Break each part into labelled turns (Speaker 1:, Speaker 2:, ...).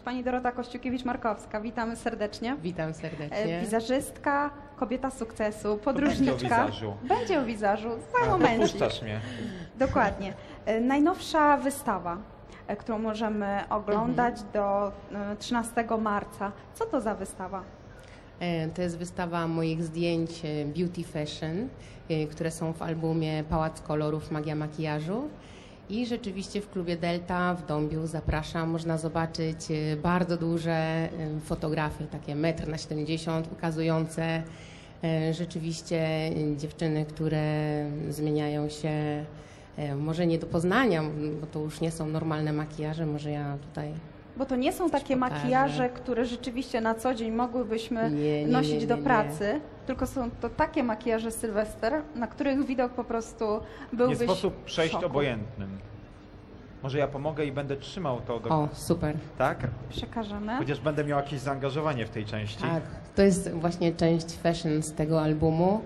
Speaker 1: pani Dorota Kościukiewicz-Markowska. Witamy serdecznie.
Speaker 2: Witam serdecznie.
Speaker 1: Wizażystka, kobieta sukcesu,
Speaker 3: Będzie
Speaker 1: podróżniczka.
Speaker 3: o wizażu.
Speaker 1: Będzie o wizażu, za momencik.
Speaker 3: Puszczasz mnie.
Speaker 1: Dokładnie. Najnowsza wystawa, którą możemy oglądać do 13 marca. Co to za wystawa?
Speaker 2: To jest wystawa moich zdjęć Beauty Fashion, które są w albumie Pałac Kolorów Magia Makijażu. I rzeczywiście w klubie Delta w Dąbiu zapraszam. Można zobaczyć bardzo duże fotografie, takie 1,70 m, ukazujące rzeczywiście dziewczyny, które zmieniają się, może nie do poznania, bo to już nie są normalne makijaże, może ja tutaj...
Speaker 1: Bo to nie są takie
Speaker 2: pokażę.
Speaker 1: makijaże, które rzeczywiście na co dzień mogłybyśmy nosić do pracy, tylko są to takie makijaże Sylwester, na których widok po prostu byłbyś
Speaker 3: Nie sposób przejść
Speaker 1: w szoku.
Speaker 3: obojętnym. Może ja pomogę i będę trzymał to do...
Speaker 2: O, super.
Speaker 3: Tak?
Speaker 1: Przekażemy.
Speaker 3: Chociaż będę miał jakieś zaangażowanie w tej części.
Speaker 2: Tak, to jest właśnie część fashion z tego albumu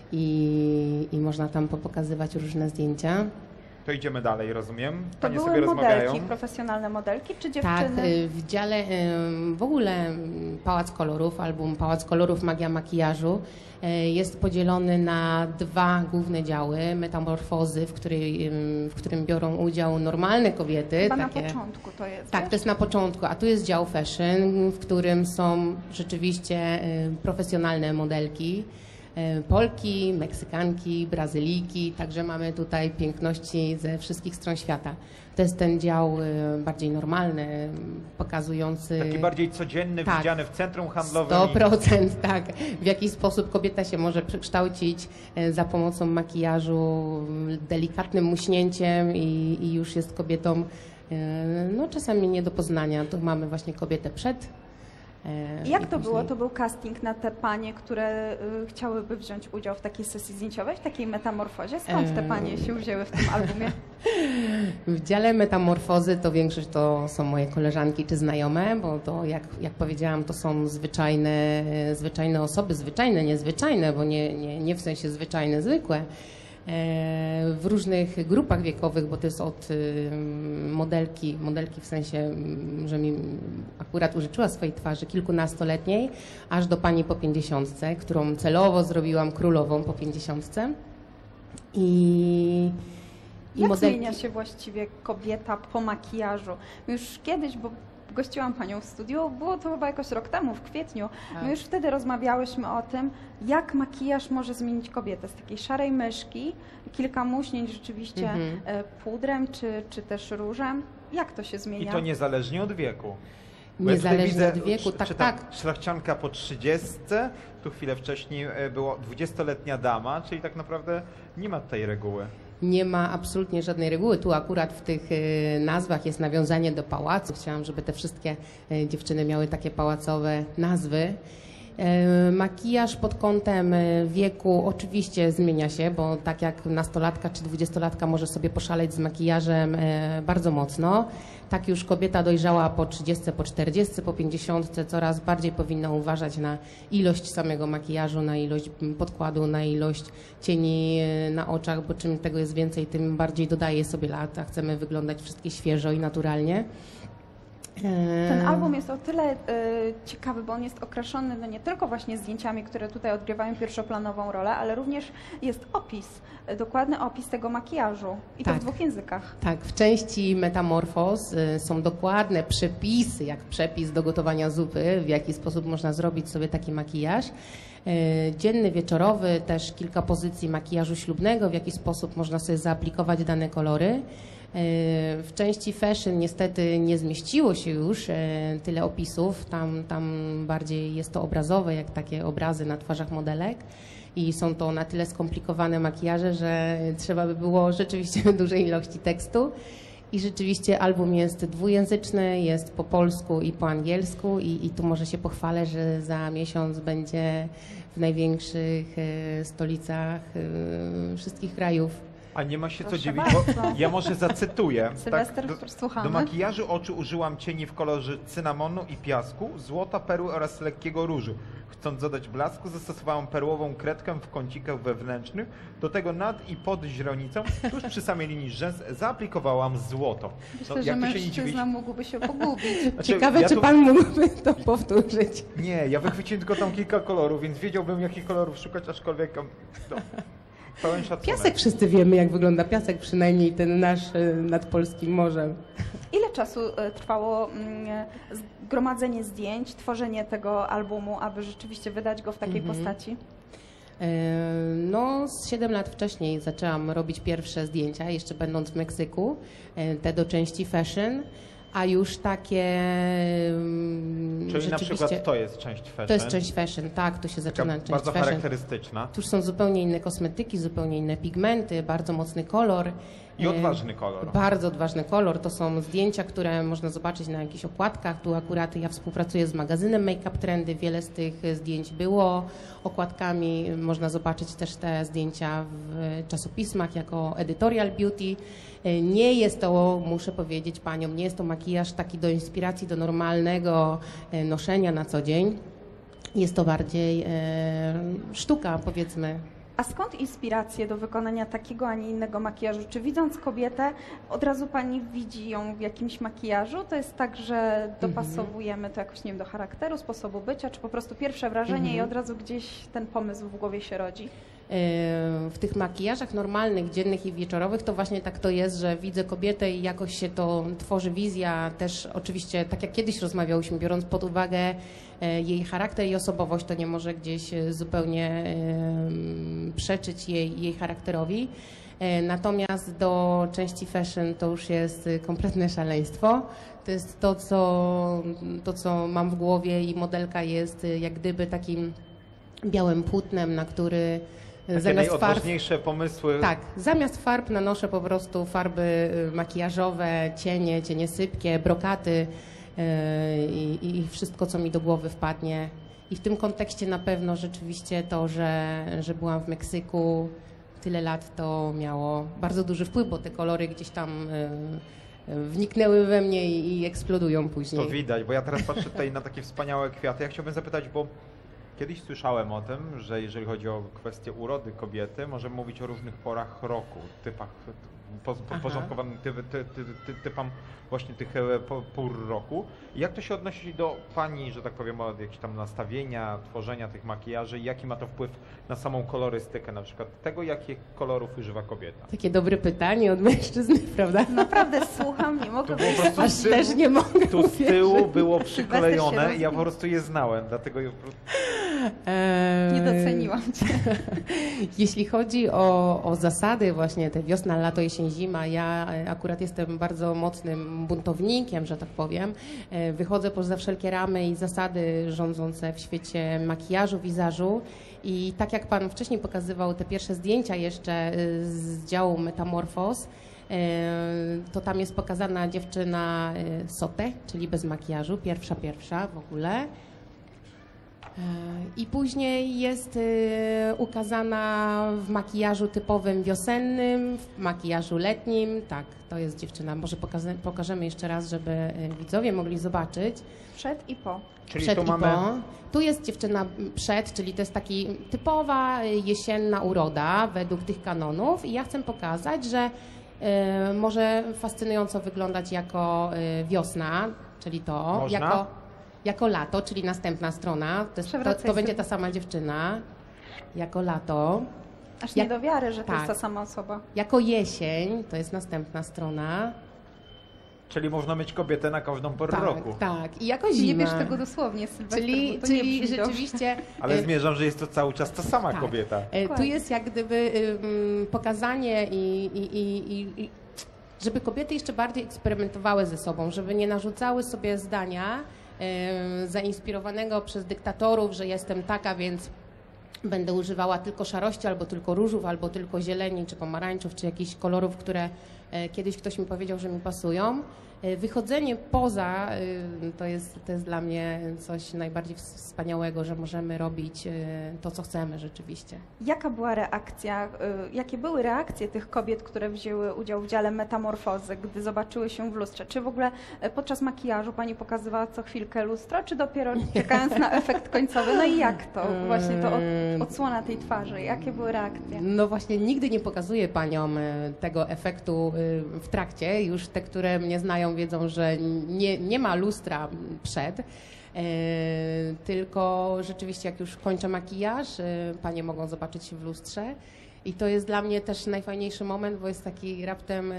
Speaker 2: i można tam popokazywać różne zdjęcia.
Speaker 3: To idziemy dalej, rozumiem?
Speaker 1: To
Speaker 3: Panie sobie
Speaker 1: były
Speaker 3: rozmawiają.
Speaker 1: modelki, profesjonalne modelki, czy
Speaker 2: Tak,
Speaker 1: dziewczyny?
Speaker 2: w dziale w ogóle Pałac Kolorów, album Pałac Kolorów Magia Makijażu jest podzielony na dwa główne działy. Metamorfozy, w którym biorą udział normalne kobiety.
Speaker 1: Chyba
Speaker 2: takie...
Speaker 1: na początku to jest.
Speaker 2: Tak,
Speaker 1: wiesz?
Speaker 2: to jest na początku, a tu jest dział fashion, w którym są rzeczywiście profesjonalne modelki. Polki, Meksykanki, Brazylijki, także mamy tutaj piękności ze wszystkich stron świata. To jest ten dział bardziej normalny, pokazujący...
Speaker 3: Taki bardziej codzienny,
Speaker 2: Tak.
Speaker 3: widziany w centrum handlowym.
Speaker 2: 100%, tak. W jaki sposób kobieta się może przekształcić za pomocą makijażu, delikatnym muśnięciem i już jest kobietą, no czasami nie do poznania. Tu mamy właśnie kobietę przed.
Speaker 1: Jak
Speaker 2: i
Speaker 1: to było?
Speaker 2: później-
Speaker 1: To był casting na te panie, które chciałyby wziąć udział w takiej sesji zdjęciowej, w takiej metamorfozie? Skąd te panie się wzięły w tym albumie?
Speaker 2: W dziale metamorfozy to większość to są moje koleżanki czy znajome, bo to jak powiedziałam, to są zwyczajne osoby, zwyczajne, niezwyczajne, bo nie w sensie zwyczajne, zwykłe. W różnych grupach wiekowych, bo to jest od modelki w sensie, że mi akurat użyczyła swojej twarzy kilkunastoletniej, aż do pani po 50, którą celowo zrobiłam królową po 50. I
Speaker 1: Jak
Speaker 2: modelki...
Speaker 1: zmienia się właściwie kobieta po makijażu? Już kiedyś, bo gościłam panią w studiu, było to chyba jakoś rok temu, w kwietniu.
Speaker 2: Tak.
Speaker 1: My już wtedy rozmawiałyśmy o tym, jak makijaż może zmienić kobietę. Z takiej szarej myszki, kilka muśnięć rzeczywiście pudrem czy też różem. Jak to się
Speaker 3: I
Speaker 1: zmienia?
Speaker 3: to niezależnie od wieku. Bo ja tutaj
Speaker 2: Niezależnie
Speaker 3: widzę,
Speaker 2: od wieku, tak,
Speaker 3: czytam,
Speaker 2: tak.
Speaker 3: szlachcianka po 30, tu chwilę wcześniej było 20-letnia dama, czyli tak naprawdę nie ma tej reguły.
Speaker 2: Nie ma absolutnie żadnej reguły. Tu akurat w tych nazwach jest nawiązanie do pałacu. Chciałam, żeby te wszystkie dziewczyny miały takie pałacowe nazwy. Makijaż pod kątem wieku oczywiście zmienia się, bo tak jak nastolatka czy 20-latka może sobie poszaleć z makijażem bardzo mocno, tak już kobieta dojrzała po 30, po 40, po 50 coraz bardziej powinna uważać na ilość samego makijażu, na ilość podkładu, na ilość cieni na oczach, bo czym tego jest więcej, tym bardziej dodaje sobie lat, a chcemy wyglądać wszystkie świeżo i naturalnie.
Speaker 1: Ten album jest o tyle ciekawy, bo on jest okraszony no nie tylko właśnie zdjęciami, które tutaj odgrywają pierwszoplanową rolę, ale również jest opis, dokładny opis tego makijażu i to
Speaker 2: Tak.
Speaker 1: w dwóch językach.
Speaker 2: Tak, w części Metamorfoz są dokładne przepisy, jak przepis do gotowania zupy, w jaki sposób można zrobić sobie taki makijaż. Dzienny, wieczorowy, też kilka pozycji makijażu ślubnego, w jaki sposób można sobie zaaplikować dane kolory. W części fashion niestety nie zmieściło się już tyle opisów, tam bardziej jest to obrazowe, jak takie obrazy na twarzach modelek i są to na tyle skomplikowane makijaże, że trzeba by było rzeczywiście dużej ilości tekstu. I rzeczywiście album jest dwujęzyczny, jest po polsku i po angielsku i tu może się pochwalę, że za miesiąc będzie w największych stolicach wszystkich krajów.
Speaker 3: A nie ma się co
Speaker 1: Proszę
Speaker 3: dziwić,
Speaker 1: bardzo.
Speaker 3: bo ja może zacytuję.
Speaker 1: Sylwester,
Speaker 3: do
Speaker 1: słuchamy.
Speaker 3: makijażu oczu użyłam cieni w kolorze cynamonu i piasku, złota, perły oraz lekkiego różu. Chcąc dodać blasku, zastosowałam perłową kredkę w kącikach wewnętrznych. Do tego nad i pod źrenicą, tuż przy samej linii rzęs, zaaplikowałam złoto.
Speaker 1: Myślę, że mężczyzna mógłby się pogubić.
Speaker 3: Znaczy,
Speaker 2: Ciekawe,
Speaker 3: ja
Speaker 2: czy
Speaker 3: tu-
Speaker 2: pan mógłby to powtórzyć.
Speaker 3: Nie, ja wychwyciłem tylko tam kilka kolorów, więc wiedziałbym, jakich kolorów szukać, aczkolwiek no, pełen szacunek.
Speaker 2: Piasek wszyscy wiemy, jak wygląda piasek, przynajmniej ten nasz nad polskim morzem.
Speaker 1: Ile czasu trwało zgromadzenie zdjęć, tworzenie tego albumu, aby rzeczywiście wydać go w takiej postaci?
Speaker 2: No, z 7 lat wcześniej zaczęłam robić pierwsze zdjęcia, jeszcze będąc w Meksyku, te do części fashion, a już takie
Speaker 3: Czyli na
Speaker 2: rzeczywiście...
Speaker 3: przykład to jest część fashion.
Speaker 2: To jest część fashion, tak, tu się zaczyna
Speaker 3: Taka
Speaker 2: część
Speaker 3: bardzo
Speaker 2: fashion.
Speaker 3: charakterystyczna
Speaker 2: Tu już są zupełnie inne kosmetyki, zupełnie inne pigmenty, bardzo mocny kolor.
Speaker 3: i odważny kolor.
Speaker 2: Bardzo odważny kolor. To są zdjęcia, które można zobaczyć na jakichś okładkach. Tu akurat ja współpracuję z magazynem Make Up Trendy. Wiele z tych zdjęć było okładkami. Można zobaczyć też te zdjęcia w czasopismach jako editorial beauty. Nie jest to, muszę powiedzieć paniom, nie jest to makijaż taki do inspiracji, do normalnego noszenia na co dzień. Jest to bardziej sztuka, powiedzmy.
Speaker 1: A skąd inspiracje do wykonania takiego, a nie innego makijażu? Czy widząc kobietę, od razu pani widzi ją w jakimś makijażu? To jest tak, że dopasowujemy to jakoś, nie wiem, do charakteru, sposobu bycia, czy po prostu pierwsze wrażenie i od razu gdzieś ten pomysł w głowie się rodzi?
Speaker 2: W tych makijażach normalnych, dziennych i wieczorowych to właśnie tak to jest, że widzę kobietę i jakoś się to tworzy wizja, też oczywiście tak jak kiedyś rozmawiałyśmy, biorąc pod uwagę jej charakter i osobowość, to nie może gdzieś zupełnie przeczyć jej charakterowi. Natomiast do części fashion to już jest kompletne szaleństwo. To jest to, co mam w głowie i modelka jest jak gdyby takim białym płótnem, na który
Speaker 3: Takie
Speaker 2: zamiast farb,
Speaker 3: najodważniejsze pomysły.
Speaker 2: tak, zamiast farb nanoszę po prostu farby makijażowe, cienie sypkie, brokaty i wszystko, co mi do głowy wpadnie. I w tym kontekście na pewno rzeczywiście to, że byłam w Meksyku tyle lat, to miało bardzo duży wpływ, bo te kolory gdzieś tam wniknęły we mnie i eksplodują później.
Speaker 3: To widać, bo ja teraz patrzę tutaj na takie wspaniałe kwiaty. Ja chciałbym zapytać, bo kiedyś słyszałem o tym, że jeżeli chodzi o kwestię urody kobiety, możemy mówić o różnych porach roku, typach, podporządkowanym typom właśnie tych pór roku. I jak to się odnosi do pani, że tak powiem, od jakichś tam nastawienia, tworzenia tych makijaży i jaki ma to wpływ na samą kolorystykę, na przykład tego, jakich kolorów używa kobieta?
Speaker 2: Takie dobre pytanie od mężczyzny, prawda?
Speaker 1: Naprawdę słucham, nie mogę
Speaker 3: To było po
Speaker 1: wyjść.
Speaker 3: prostu
Speaker 2: Aż też nie mogę
Speaker 3: Tu z tyłu
Speaker 2: uwierzyć.
Speaker 3: było
Speaker 1: Sylwester
Speaker 3: przyklejone
Speaker 1: się
Speaker 3: i ja po prostu je znałem, dlatego
Speaker 1: Nie doceniłam cię.
Speaker 2: Jeśli chodzi o zasady właśnie te wiosna, lato, jesień, zima, ja akurat jestem bardzo mocnym buntownikiem, że tak powiem. Wychodzę poza wszelkie ramy i zasady rządzące w świecie makijażu, wizażu i tak jak pan wcześniej pokazywał te pierwsze zdjęcia jeszcze z działu Metamorphos, to tam jest pokazana dziewczyna sotę, czyli bez makijażu, pierwsza w ogóle. I później jest ukazana w makijażu typowym wiosennym, w makijażu letnim. Tak, to jest dziewczyna. Może pokażemy jeszcze raz, żeby widzowie mogli zobaczyć.
Speaker 1: Przed i po.
Speaker 3: czyli
Speaker 2: Przed
Speaker 3: tu
Speaker 2: i
Speaker 3: mamy
Speaker 2: po. Tu jest dziewczyna przed, czyli to jest taki typowa jesienna uroda według tych kanonów. I ja chcę pokazać, że może fascynująco wyglądać jako wiosna, czyli to.
Speaker 3: Można?
Speaker 2: Jako lato, czyli następna strona, to będzie ta sama dziewczyna, jako lato.
Speaker 1: Aż nie do wiary, że to jest
Speaker 2: tak.
Speaker 1: ta sama osoba.
Speaker 2: Jako jesień, to jest następna strona.
Speaker 3: Czyli można mieć kobietę na każdą porę roku.
Speaker 2: Tak, i jako zima.
Speaker 1: Nie bierz tego dosłownie, Sylwester,
Speaker 2: Czyli,
Speaker 1: bo to nie
Speaker 2: czyli
Speaker 1: brzmi dobrze.
Speaker 2: rzeczywiście...
Speaker 3: Ale zmierzam, że jest to cały czas ta sama
Speaker 2: tak.
Speaker 3: kobieta.
Speaker 2: Tu jest jak gdyby pokazanie i żeby kobiety jeszcze bardziej eksperymentowały ze sobą, żeby nie narzucały sobie zdania zainspirowanego przez dyktatorów, że jestem taka, więc będę używała tylko szarości, albo tylko różów, albo tylko zieleni, czy pomarańczów, czy jakichś kolorów, które kiedyś ktoś mi powiedział, że mi pasują. Wychodzenie poza to jest dla mnie coś najbardziej wspaniałego, że możemy robić to, co chcemy rzeczywiście.
Speaker 1: Jaka była reakcja, jakie były reakcje tych kobiet, które wzięły udział w dziale metamorfozy, gdy zobaczyły się w lustrze? Czy w ogóle podczas makijażu pani pokazywała co chwilkę lustro, czy dopiero czekając na efekt końcowy? No i jak to? Właśnie to odsłona tej twarzy. Jakie były reakcje?
Speaker 2: No właśnie, nigdy nie pokazuję paniom tego efektu w trakcie. Już te, które mnie znają, wiedzą, że nie ma lustra przed. Tylko rzeczywiście jak już kończę makijaż, panie mogą zobaczyć się w lustrze i to jest dla mnie też najfajniejszy moment, bo jest taki raptem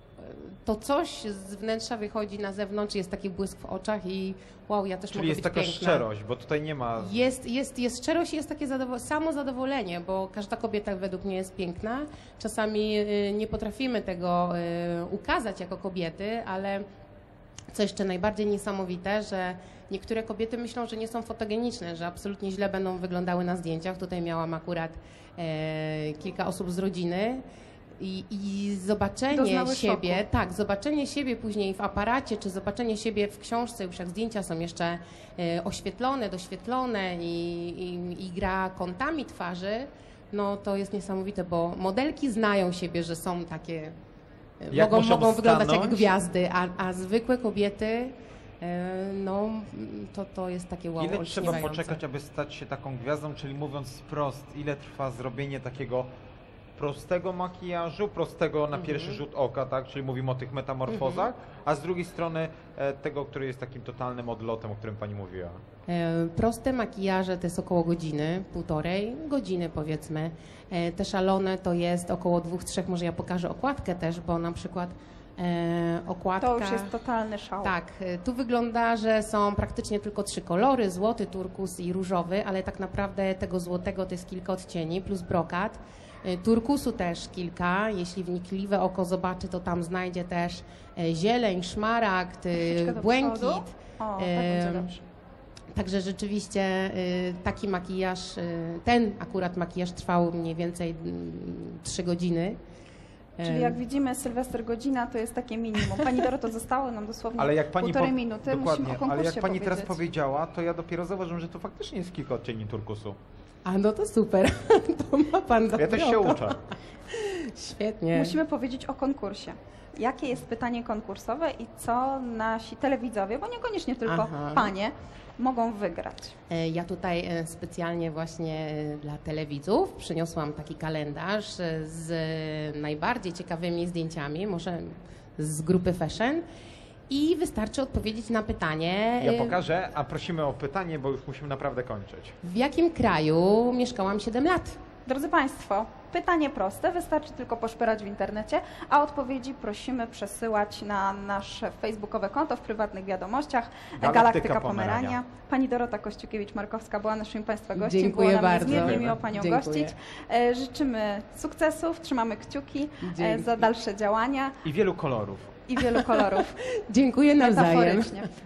Speaker 2: to coś z wnętrza wychodzi na zewnątrz, jest taki błysk w oczach i wow, ja też
Speaker 3: Czyli
Speaker 2: mogę
Speaker 3: jest
Speaker 2: być
Speaker 3: taka
Speaker 2: piękna.
Speaker 3: szczerość, bo tutaj nie ma...
Speaker 2: Jest szczerość i jest takie samo zadowolenie, bo każda kobieta według mnie jest piękna. Czasami nie potrafimy tego ukazać jako kobiety, ale co jeszcze najbardziej niesamowite, że niektóre kobiety myślą, że nie są fotogeniczne, że absolutnie źle będą wyglądały na zdjęciach. Tutaj miałam akurat kilka osób z rodziny i zobaczenie
Speaker 1: Doznały
Speaker 2: siebie,
Speaker 1: szoku.
Speaker 2: tak, zobaczenie siebie później w aparacie, czy zobaczenie siebie w książce, już jak zdjęcia są jeszcze oświetlone, doświetlone i gra kątami twarzy, no to jest niesamowite, bo modelki znają siebie, że są takie,
Speaker 3: Jak
Speaker 2: mogą
Speaker 3: muszą
Speaker 2: wyglądać jak
Speaker 3: stanąć?
Speaker 2: gwiazdy, a zwykłe kobiety, no to jest takie wow,
Speaker 3: Ile trzeba
Speaker 2: olśniewające.
Speaker 3: poczekać, aby stać się taką gwiazdą, czyli mówiąc wprost, ile trwa zrobienie takiego prostego makijażu, prostego na pierwszy rzut oka, tak? Czyli mówimy o tych metamorfozach, a z drugiej strony tego, który jest takim totalnym odlotem, o którym pani mówiła.
Speaker 2: Proste makijaże to jest około godziny, półtorej godziny powiedzmy. Te szalone to jest około 2-3, może ja pokażę okładkę też, bo na przykład okładka...
Speaker 1: To już jest totalny szał.
Speaker 2: Tak, tu wygląda, że są praktycznie tylko 3 kolory, złoty, turkus i różowy, ale tak naprawdę tego złotego to jest kilka odcieni, plus brokat. Turkusu też kilka, jeśli wnikliwe oko zobaczy, to tam znajdzie też zieleń, szmaragd,
Speaker 1: Troszeczkę do
Speaker 2: błękit.
Speaker 1: przodu. O, tak będzie dobrze.
Speaker 2: Także rzeczywiście taki makijaż, ten akurat makijaż trwał mniej więcej 3 godziny.
Speaker 1: Czyli jak widzimy, Sylwester godzina to jest takie minimum. Pani Doroto, zostało nam dosłownie
Speaker 3: Ale jak pani
Speaker 1: półtorej minuty. Musimy o
Speaker 3: dokładnie,
Speaker 1: konkursie
Speaker 3: ale jak pani teraz
Speaker 1: powiedzieć.
Speaker 3: powiedziała, to ja dopiero zauważyłem, że to faktycznie jest kilka odcieni turkusu.
Speaker 2: A no to super, to ma pan dobre
Speaker 3: Ja też się
Speaker 2: oko.
Speaker 3: uczę.
Speaker 2: Świetnie.
Speaker 1: Musimy powiedzieć o konkursie. Jakie jest pytanie konkursowe i co nasi telewidzowie, bo niekoniecznie tylko
Speaker 2: Aha.
Speaker 1: panie, mogą wygrać?
Speaker 2: Ja tutaj specjalnie właśnie dla telewidzów przyniosłam taki kalendarz z najbardziej ciekawymi zdjęciami, może z grupy Fashion i wystarczy odpowiedzieć na pytanie,
Speaker 3: Ja pokażę, a prosimy o pytanie, bo już musimy naprawdę kończyć.
Speaker 2: w jakim kraju mieszkałam 7 lat.
Speaker 1: Drodzy Państwo, pytanie proste, wystarczy tylko poszperać w internecie, a odpowiedzi prosimy przesyłać na nasze facebookowe konto w prywatnych wiadomościach Galaktyka Pomerania. Pani Dorota Kościukiewicz-Markowska była naszym Państwa gościem.
Speaker 2: Dziękuję
Speaker 1: Było nam
Speaker 2: bardzo.
Speaker 1: niezmiernie miło Panią
Speaker 2: Dziękuję.
Speaker 1: gościć. Życzymy sukcesów, trzymamy kciuki
Speaker 2: Dzięki.
Speaker 1: za dalsze działania
Speaker 3: I wielu kolorów.
Speaker 1: i wielu kolorów.
Speaker 2: Dziękuję nawzajem.
Speaker 1: Metaforycznie.